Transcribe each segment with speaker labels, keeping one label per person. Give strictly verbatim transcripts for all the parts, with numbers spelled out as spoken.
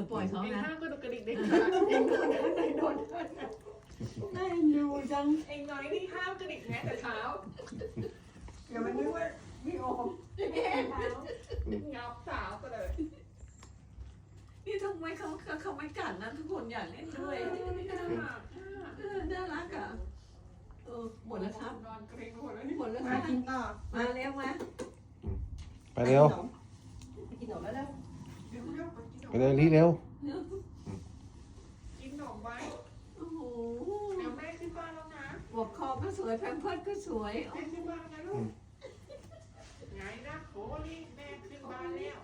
Speaker 1: ปล่อยเขา
Speaker 2: เอง
Speaker 1: นะ
Speaker 2: ห้ามก็ดูกระดิกเด็กขาเองโดนอะไรโดน
Speaker 1: น่าดูจัง
Speaker 2: เองน้อยนี่ห้ามกระดิกแม้แต่เช้า
Speaker 1: เดี๋ยวมันนึกว่าพี่โอม
Speaker 2: แม่เท้างับสาวก็เลย
Speaker 1: นี่ทำไมเขาเขาเขาไม่กัดนะทุกคนอยากเล่นด้วย
Speaker 2: ไม่น่ารัก
Speaker 1: เออน่ารักอ่ะเออหมดแล้วครับ
Speaker 2: นอนเกรงหมดแล้วนี่
Speaker 1: หมดแล้วค
Speaker 3: มา
Speaker 1: รับ
Speaker 3: กินต่อ
Speaker 1: มาเร็วมา
Speaker 4: ไปเร็ว
Speaker 3: ไปกินขนมแล้วเร็ว
Speaker 2: เดี๋ยวเดี๋ยว
Speaker 4: ไปเร็วรีเร็ว
Speaker 2: กินขนมไว้
Speaker 1: โอ้โห
Speaker 2: เดี๋ยวแม่ขึ้นบ้านแล้วนะ
Speaker 1: หัวคอก็สวยแพมเพิร์ดก็สวย
Speaker 2: แม่ขึ้นบ้านนะลูกไงนะโหนี่แม่ขึ้นบ้านแล้ว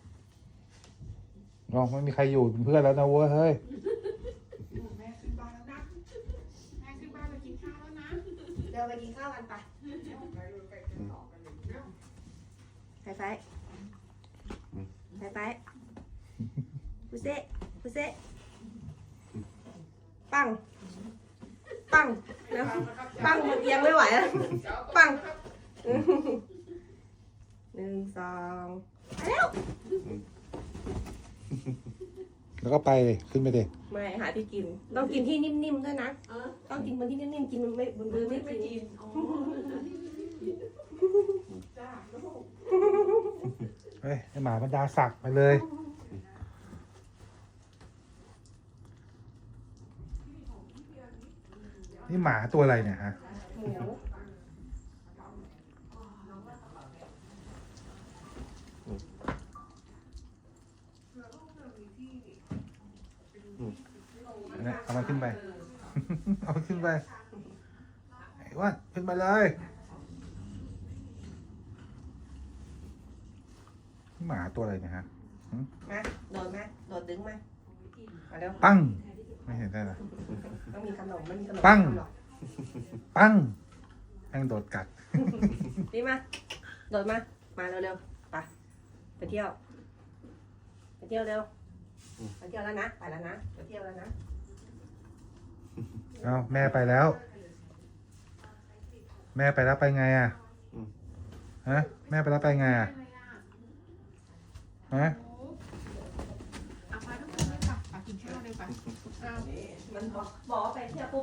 Speaker 4: น้องไม่มีใครอยู่เป็นเพื่อนแล้วนะเว้ยเฮ้ย
Speaker 2: แม่ขึ้นบ้านแล้วนะแม่ขึ้นบ้านไปกินข้าวแล้วนะ
Speaker 3: เดินไปกินข้าวกันไป
Speaker 2: เดี๋ยวไปเลยไปกันต่อกันเลยเดี๋ยว
Speaker 3: ไฟไฟไฟไฟพุเซ่พุเซ่ปังปังแล้วปังมันเอียงไม่ไหวแล้วปังหนึ่งสองไปแล้ว
Speaker 4: แล้วก็ไปเลยขึ้นไปเลย
Speaker 3: ไม่หาที่กิน ต้องกินที่นิ่มๆด้วยนะ
Speaker 1: เออ
Speaker 3: ต้องกินบนที่นิ่มๆกินมันไม่บนมือไม่
Speaker 1: ไม่
Speaker 3: กิน
Speaker 1: กินอ๋อ
Speaker 2: จ้าลูก
Speaker 4: เฮ้ยไอหมาบรรดาศักดิ์ไปเลย นี่หมาตัวอะไรเนี่ยฮะ
Speaker 3: เหนียว
Speaker 4: เนี่ยเอามันขึ้นไป เอามันขึ้นไปไอ้อ้ว่าขึ้นไปเลย หมาตัวอะไรเนี่ยฮะ
Speaker 3: มาโดดมาโดดดึงมามาเร็ว
Speaker 4: ปั้ง ไม่เห็นได้หรอ
Speaker 3: ต้องมีขนมมันมีขนม
Speaker 4: ปัง
Speaker 3: หรอก
Speaker 4: ปั้งแม่งโดดกัด
Speaker 3: นี่มา โดดมา มาเร็วๆ ไป ไปเที่ยว ไปเที่ยวเร็ว ไปเที่ยวแล้วนะ ไปแล้วนะ ไปเที่ยวแล้วนะ
Speaker 4: เอาแม่ไปแล้ว แม่ไปแล้วไปไงอ่ะฮะแม่ไปแล้วไปไงอ่ะฮะ
Speaker 2: เอาไปทุกคนเลยค่ะไปกินข้าวเลยไปอ้าว
Speaker 3: มันบอกบอกว่าไปเที่ยวปุ๊บ